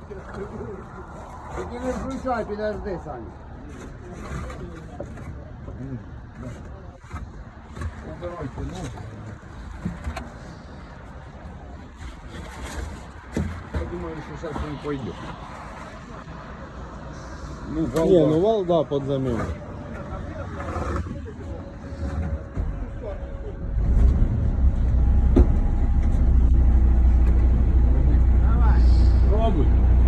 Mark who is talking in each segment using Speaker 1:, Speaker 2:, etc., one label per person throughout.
Speaker 1: Тільки не включай, підожди, Саня.
Speaker 2: Убирайте, ну. Я думаю, что сейчас он пойдет. Ну, вал,
Speaker 3: Не, ну вал, да, под замену.
Speaker 2: пробуй.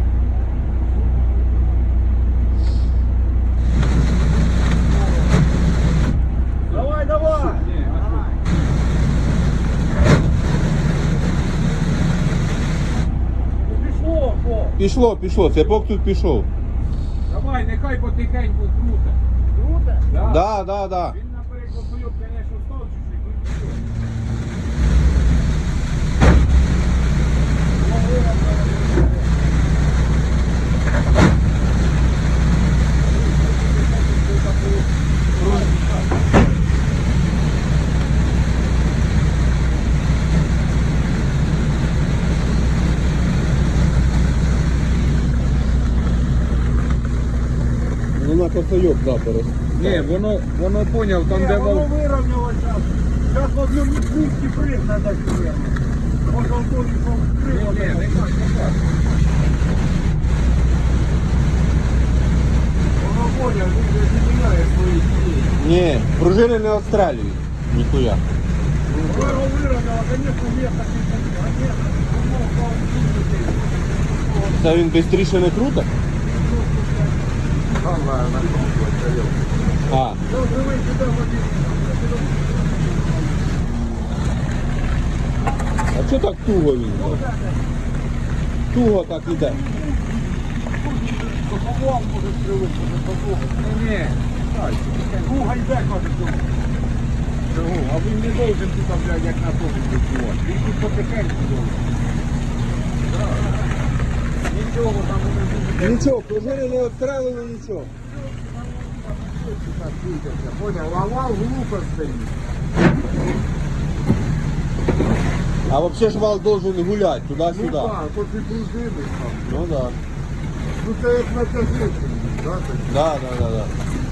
Speaker 1: Давай, давай!
Speaker 2: Не, а что?
Speaker 1: Пішло, о!
Speaker 3: Пішло, цепок тут пішов.
Speaker 2: Давай, нехай потихеньку круте.
Speaker 1: Круто?
Speaker 3: Да.
Speaker 2: Він наперед кольок, конечно, став чуть-чуть, ну нічого.
Speaker 3: Ну на косойок, да, перес.
Speaker 2: Ні, воно поняв, там де
Speaker 1: Воно
Speaker 2: вал.
Speaker 1: вирівняло зараз. Зараз в одному пункті прыг треба сюди. Може Антон прыг.
Speaker 2: Ні, нехай.
Speaker 1: Воно поняв, він же не міняє свої дії.
Speaker 3: Ні, пружини не відстрелюють. Ніхуя.
Speaker 1: Воно вирівняло, звісно, місто підпустить. А ні, воно впав в кінці.
Speaker 3: Це він швидше не крутить? А,
Speaker 1: Ну, живий сюди, воді.
Speaker 3: а чого так туго він? Туго так іде.
Speaker 1: Поплав може скривити, поплав.
Speaker 2: Ні.
Speaker 1: Круга йде, каже, цього.
Speaker 2: Чого? А він не должен тут, блядь, як на тому працювати. Він тут потихеньку должен. Нічого там не буде.
Speaker 3: Нічого, пружини не відстрелили, нічого.
Speaker 1: Понял, а вал глупо стоїть.
Speaker 3: А взагалі ж вал должен гуляти
Speaker 1: Ну
Speaker 3: туди-сюди.
Speaker 1: так, тут і пружини там.
Speaker 3: Ну да.
Speaker 1: Ну це як на тягниці, да?
Speaker 3: Да.